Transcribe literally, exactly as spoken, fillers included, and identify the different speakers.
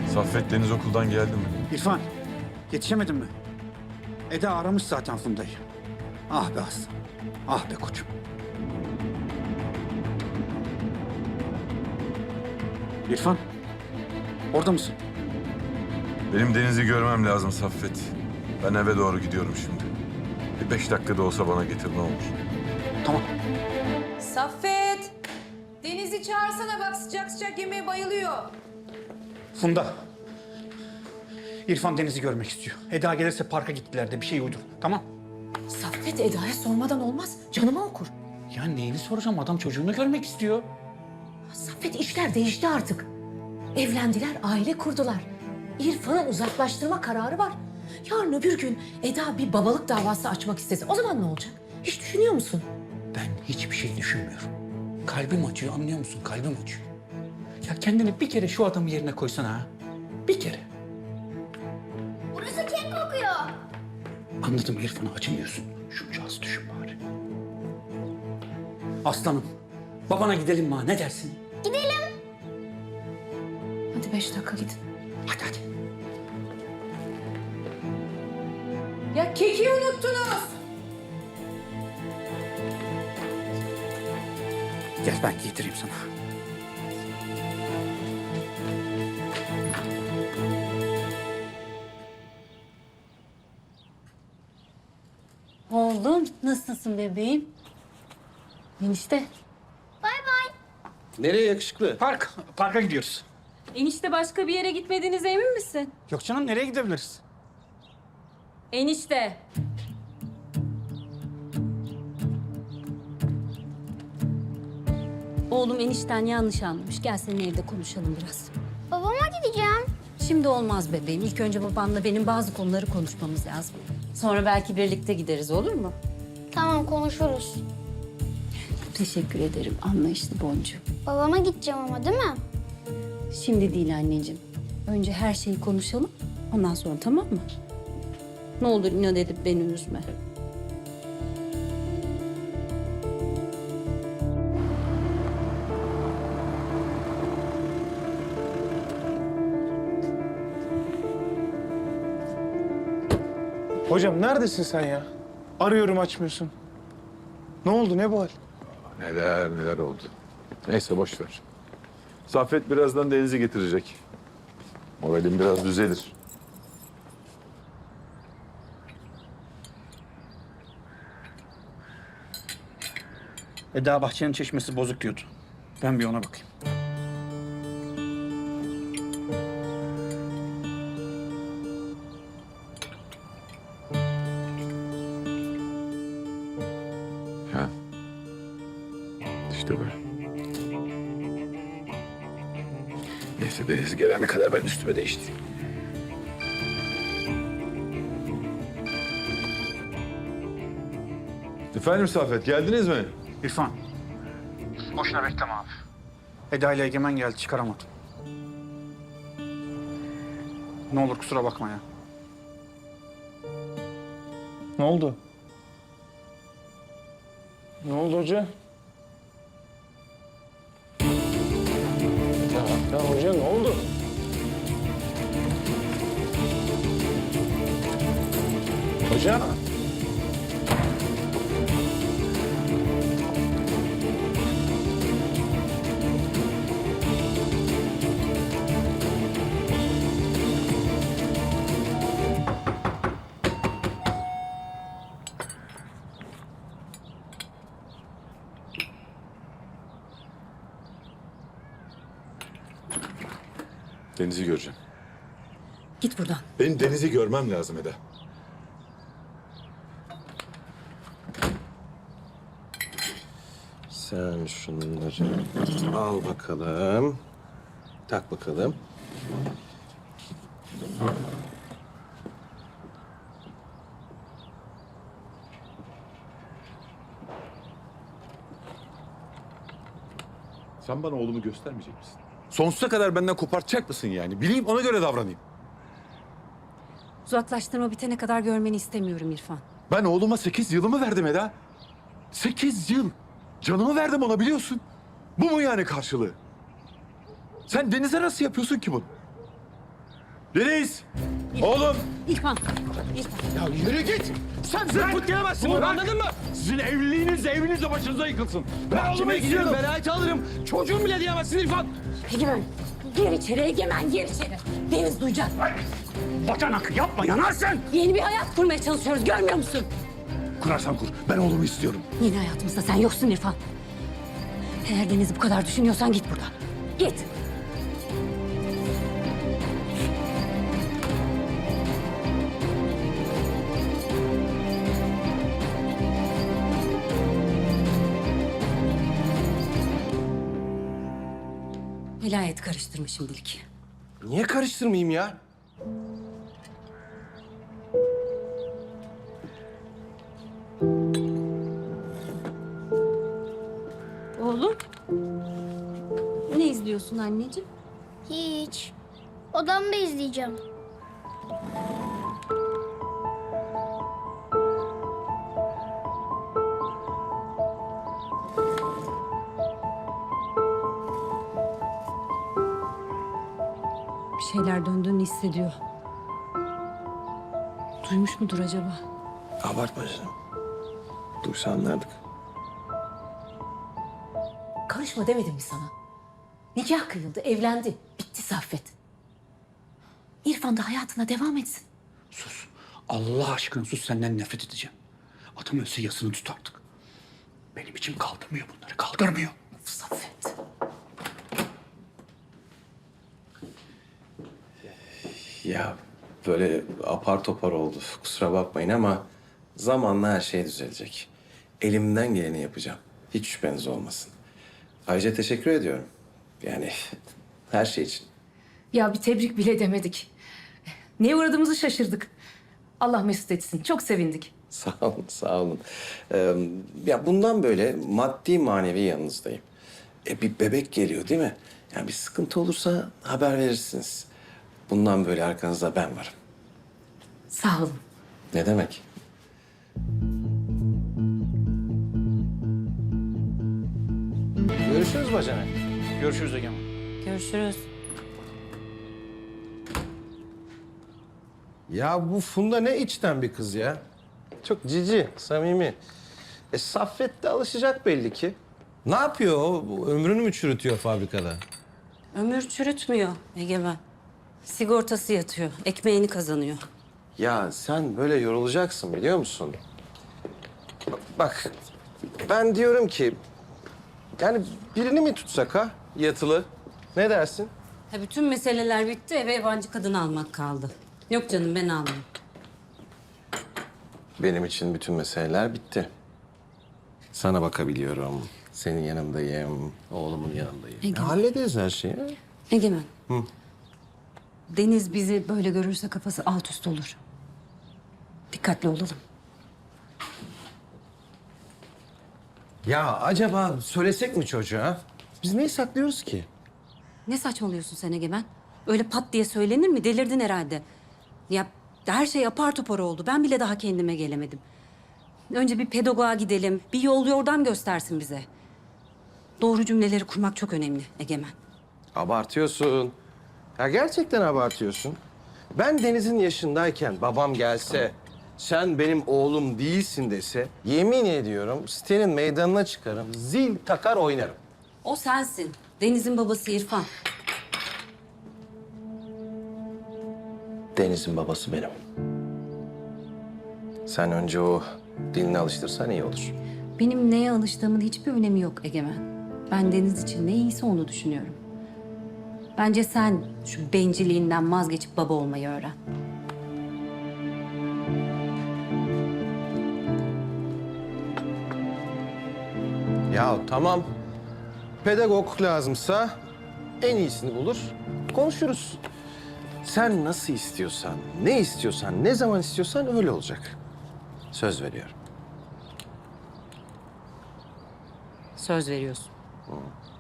Speaker 1: Saffet Deniz okuldan geldi mi?
Speaker 2: İrfan, yetişemedin mi? Eda aramış zaten Funda'yı. Ah be aslan, ah be koçum. İrfan, orada mısın?
Speaker 1: Benim Deniz'i görmem lazım Saffet. Ben eve doğru gidiyorum şimdi. Bir beş dakikada olsa bana getir ne olur.
Speaker 2: Tamam.
Speaker 3: Saffet! Deniz'i çağırsana bak sıcak sıcak yemeğe bayılıyor.
Speaker 2: Funda. İrfan Deniz'i görmek istiyor. Eda gelirse parka gittiler de bir şey uydur. Tamam.
Speaker 3: Saffet Eda'ya sormadan olmaz. Canıma okur.
Speaker 2: Ya neyini soracağım? Adam çocuğunu görmek istiyor.
Speaker 3: Saffet işler değişti artık. Evlendiler, aile kurdular. İrfan'ı uzaklaştırma kararı var. Yarın öbür gün Eda bir babalık davası açmak istese o zaman ne olacak? Hiç düşünüyor musun?
Speaker 2: Ben hiçbir şey düşünmüyorum. Kalbim acıyor, anlıyor musun? Kalbim acıyor. Ya kendini bir kere şu adamın yerine koysana ha. Bir kere.
Speaker 4: Burası kek kokuyor.
Speaker 2: Anladım, İrfan'a acımıyorsun. Şunca az düşün bari. Aslanım, babana gidelim mi ha? Ne dersin?
Speaker 4: Gidelim.
Speaker 3: Hadi beş dakika gidin.
Speaker 2: Hadi hadi.
Speaker 3: Ya keki unuttunuz.
Speaker 2: Gel ben giydireyim sana.
Speaker 5: Oğlum nasılsın bebeğim? Enişte.
Speaker 4: Bay bay.
Speaker 6: Nereye yakışıklı?
Speaker 2: Park, parka gidiyoruz.
Speaker 5: Enişte başka bir yere gitmediğinize emin misin?
Speaker 2: Yok canım, nereye gidebiliriz?
Speaker 5: Enişte. Oğlum enişten yanlış anlamış. Gel senin evde konuşalım biraz.
Speaker 4: Babama gideceğim.
Speaker 5: Şimdi olmaz bebeğim. İlk önce babanla benim bazı konuları konuşmamız lazım. Sonra belki birlikte gideriz, olur mu?
Speaker 4: Tamam, konuşuruz.
Speaker 5: Teşekkür ederim anlayışlı boncuğum.
Speaker 4: Babama gideceğim ama değil mi?
Speaker 5: Şimdi değil anneciğim. Önce her şeyi konuşalım. Ondan sonra tamam mı? Ne olur inat edip beni üzme.
Speaker 7: Hocam neredesin sen ya? Arıyorum açmıyorsun. Ne oldu, ne bu hal?
Speaker 1: Neler neler oldu. Neyse boş ver. Saffet birazdan Deniz'i getirecek. Moralim biraz düzelir.
Speaker 2: Eda bahçenin çeşmesi bozuk diyordu. Ben bir ona bakayım.
Speaker 1: Ha. İşte böyle. Neyse Deniz gelene kadar ben üstüme değiştireyim. Efendim Saffet, geldiniz mi?
Speaker 2: İrfan. Boşuna bekleme abi. Eda ile Egemen geldi, çıkaramadım. Ne olur kusura bakma ya.
Speaker 7: Ne oldu? Ne oldu hoca? Ya, ya hoca ne oldu? Hoca?
Speaker 1: Deniz'i göreceğim.
Speaker 3: Git buradan.
Speaker 1: Benim Deniz'i görmem lazım Eda.
Speaker 6: Sen şunları al bakalım. Tak bakalım.
Speaker 1: Sen bana oğlumu göstermeyecek misin? Sonsuza kadar benden kopartacak mısın yani? Bileyim ona göre davranayım.
Speaker 5: Uzaklaştırma bitene kadar görmeni istemiyorum İrfan.
Speaker 1: Ben oğluma sekiz yılımı verdim Eda. Sekiz yıl. Canımı verdim ona biliyorsun. Bu mu yani karşılığı? Sen Deniz'e nasıl yapıyorsun ki bunu? Deniz! Oğlum!
Speaker 5: İrfan. İrfan.
Speaker 1: Ya yürü git! Sen zırt gelemezsin bunu, anladın mı? Sizin evliliğiniz eviniz de başınıza yıkılsın. Ben oğlumu istiyorum.
Speaker 6: Velayeti alırım. Çocuğum bile diyemezsin İrfan.
Speaker 3: Egemen, gir içeri Egemen, gir içeri. Deniz duyacak.
Speaker 2: Bacanak yapma yanarsın.
Speaker 3: Yeni bir hayat kurmaya çalışıyoruz, görmüyor musun?
Speaker 1: Kurarsan kur. Ben oğlumu istiyorum.
Speaker 3: Yeni hayatımızda sen yoksun İrfan. Eğer Deniz'i bu kadar düşünüyorsan git buradan. Git. Velayet karıştırma şimdilik.
Speaker 6: Niye karıştırmayayım ya?
Speaker 5: Oğlum. Ne izliyorsun anneciğim?
Speaker 4: Hiç. Odamda izleyeceğim.
Speaker 5: Bir şeyler döndüğünü hissediyor. Duymuş mudur acaba?
Speaker 6: Abartma canım. Duysa anlardık.
Speaker 3: Karışma demedim mi sana? Nikah kıyıldı, evlendi. Bitti Saffet. İrfan da hayatına devam etsin.
Speaker 2: Sus. Allah aşkına sus, senden nefret edeceğim. Adam ölse yasını tut artık. Benim içim kaldırmıyor bunları, kaldırmıyor.
Speaker 3: Of Saffet.
Speaker 6: Ya böyle apar topar oldu. Kusura bakmayın ama zamanla her şey düzelecek. Elimden geleni yapacağım. Hiç şüpheniz olmasın. Ayrıca teşekkür ediyorum. Yani her şey için.
Speaker 3: Ya bir tebrik bile demedik. Neye uğradığımızı şaşırdık. Allah mesut etsin. Çok sevindik.
Speaker 6: Sağ olun, sağ olun. Ee, ya bundan böyle maddi manevi yanınızdayım. E bir bebek geliyor değil mi? Yani bir sıkıntı olursa haber verirsiniz. Bundan böyle arkanızda ben varım.
Speaker 3: Sağ olun.
Speaker 6: Ne demek? Görüşürüz bacanak.
Speaker 2: Görüşürüz Egemen.
Speaker 5: Görüşürüz.
Speaker 6: Ya bu Funda ne içten bir kız ya. Çok cici, samimi. E Saffet de alışacak belli ki. Ne yapıyor o? Ömrünü mü çürütüyor fabrikada?
Speaker 5: Ömür çürütmüyor Egemen. Sigortası yatıyor. Ekmeğini kazanıyor.
Speaker 6: Ya sen böyle yorulacaksın biliyor musun? Bak ben diyorum ki yani birini mi tutsak ha yatılı? Ne dersin?
Speaker 5: Ha, bütün meseleler bitti. Eve yabancı kadın almak kaldı. Yok canım, ben almayayım.
Speaker 6: Benim için bütün meseleler bitti. Sana bakabiliyorum. Senin yanındayım. Oğlumun yanındayım.
Speaker 5: Egemen.
Speaker 6: Hallederiz her şeyi.
Speaker 5: Egemen. Deniz bizi böyle görürse kafası alt üst olur. Dikkatli olalım.
Speaker 6: Ya acaba söylesek mi çocuğa? Biz neyi saklıyoruz ki?
Speaker 5: Ne saçmalıyorsun sen Egemen? Öyle pat diye söylenir mi? Delirdin herhalde. Ya her şey apar topar oldu. Ben bile daha kendime gelemedim. Önce bir pedagoğa gidelim. Bir yol yordam göstersin bize. Doğru cümleleri kurmak çok önemli Egemen.
Speaker 6: Abartıyorsun. Ya gerçekten abartıyorsun. Ben Deniz'in yaşındayken babam gelse, sen benim oğlum değilsin dese, yemin ediyorum sitenin meydanına çıkarım, zil takar oynarım.
Speaker 5: O sensin. Deniz'in babası İrfan.
Speaker 6: Deniz'in babası benim. Sen önce o dilini alıştırsan iyi olur.
Speaker 5: Benim neye alıştığımın hiçbir önemi yok Egemen. Ben Deniz için ne iyiyse onu düşünüyorum. Bence sen şu bencilliğinden vazgeçip baba olmayı öğren.
Speaker 6: Ya tamam. Pedagog lazımsa en iyisini bulur, konuşuruz. Sen nasıl istiyorsan, ne istiyorsan, ne zaman istiyorsan öyle olacak. Söz veriyorum.
Speaker 5: Söz veriyorsun.